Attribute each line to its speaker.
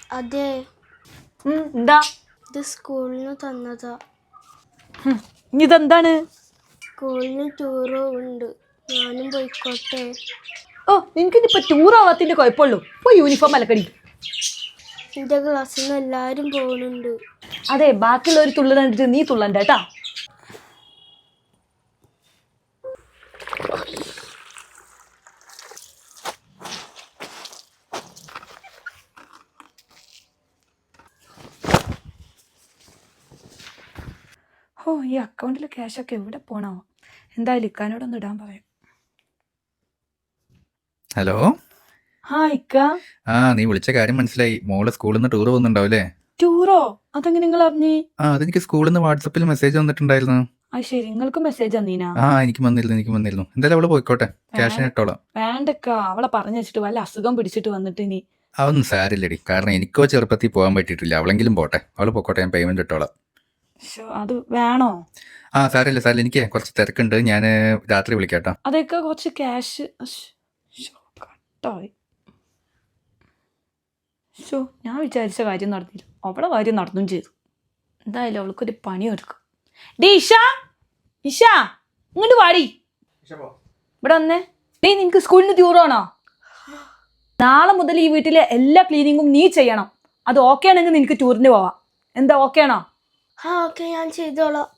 Speaker 1: അതെ.
Speaker 2: എന്താ
Speaker 1: ഇത് സ്കൂളിന് തന്നതാ.
Speaker 2: ഇതെന്താണ്?
Speaker 1: സ്കൂളിന് ടൂറ് ഉണ്ട്, ഞാനും പോയിക്കോട്ടെ?
Speaker 2: ഓ, നിനക്കിനിപ്പോ ടൂർ ആവാത്തിന്റെ കുഴപ്പമുള്ളൂ. പോയി യൂണിഫോം അലക്കടി.
Speaker 1: എൻ്റെ ക്ലാസ്സിൽ നിന്ന് എല്ലാവരും പോകുന്നുണ്ട്.
Speaker 2: അതെ, ബാക്കിയുള്ളവർ തുള്ളണ്ടിട്ട് നീ തുള്ളണ്ട കേട്ടാ. ഓ, ഈ അക്കൗണ്ടിലെ ക്യാഷൊക്കെ എവിടെ പോണോ? എന്തായാലും ഇക്കാനോടൊന്ന് ഇടാൻ പറയാം.
Speaker 3: ഹലോ.
Speaker 2: ഇക്ക.
Speaker 3: നീ വിളിച്ച കാര്യം മനസ്സിലായി. മോള് സ്കൂളിൽ നിന്ന് ടൂർ പോകുന്നുണ്ടാവില്ലേ?
Speaker 2: ടൂറോ? അതെങ്ങനെ നിങ്ങൾ അറിഞ്ഞി?
Speaker 3: അതെനിക്ക് സ്കൂളിൽ നിന്ന് വാട്സപ്പിൽ മെസ്സേജ് വന്നിട്ടുണ്ടായിരുന്നു.
Speaker 2: ശരി, നിങ്ങൾക്ക് മെസ്സേജ് വന്നീനാ?
Speaker 3: എനിക്ക് വന്നിരുന്നു. എന്തായാലും അവള് പോയിക്കോട്ടെ, ക്യാഷിന് ഇട്ടോളാം.
Speaker 2: വേണ്ടക്ക, അവളെ പറഞ്ഞു വെച്ചിട്ട് വല്ല അസുഖം പിടിച്ചിട്ട് വന്നിട്ട് ഇനി.
Speaker 3: അതൊന്നും സാരില്ലടി, കാരണം എനിക്കോ ചെറുപ്പത്തിൽ പോകാൻ പറ്റിയിട്ടില്ല. അവളെങ്കിലും പോട്ടെ, അവള് പോയിക്കോട്ടെ, ഞാൻ പേയ്മെന്റ് ഇട്ടോളാം.
Speaker 2: അത് വേണോ?
Speaker 3: സാരില്ല, എനിക്ക് കുറച്ച് തിരക്കുണ്ട്, ഞാൻ രാത്രി വിളിക്കാട്ടോ.
Speaker 2: അതൊക്കെ കുറച്ച് ക്യാഷ് കട്ടായി. ഞാൻ വിചാരിച്ച കാര്യം നടന്നില്ല, അവളെ കാര്യം നടന്നും ചെയ്തു. എന്തായാലും അവൾക്കൊരു പണി ഒരുക്കും. ഇഷ, ഇങ്ങോട്ട് വാടി. ഇവിടെ വന്നേ. നിനക്ക് സ്കൂളിന് ടൂറാണോ? നാളെ മുതൽ ഈ വീട്ടിലെ എല്ലാ ക്ലീനിങ്ങും നീ ചെയ്യണം. അത് ഓക്കെ ആണെങ്കിൽ നിനക്ക് ടൂറിന് പോവാം. എന്താ, ഓക്കെ ആണോ?
Speaker 1: ഓക്കെ, ഞാൻ ചെയ്തോളാം.